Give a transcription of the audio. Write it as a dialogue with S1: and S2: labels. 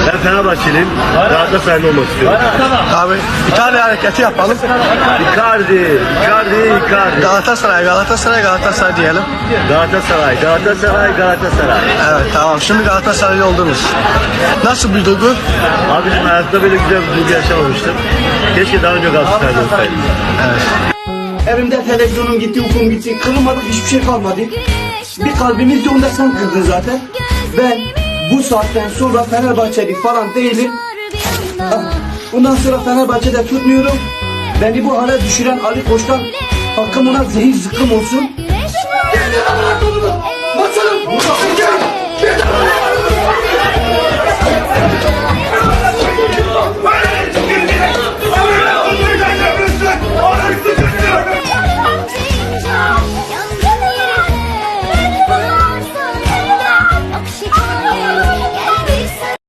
S1: Ben Fenerbahçeliyim. Galatasaraylı olmak istiyorum.
S2: Abi bir tane hareketi yapalım.
S1: Icardi.
S2: Galatasaray diyelim.
S1: Galatasaray.
S2: Evet tamam, şimdi Galatasaraylı oldunuz. Nasıl bir duygu?
S1: Abicim hayatta böyle güzel bir duygu yaşamamıştım. Keşke daha önce Galatasaraylı olsaydım.
S3: Evimde televizyonum gitti, uykum gitti. Kırılmadık, hiçbir şey kalmadı. Bir kalbimiz de onda sen kırdın zaten. Ben bu saatten sonra Fenerbahçeli falan değilim. Bundan sonra Fenerbahçe'de tutmuyorum. Beni bu hale düşüren Ali Koç'tan hakkım ona zehir zıkkım olsun.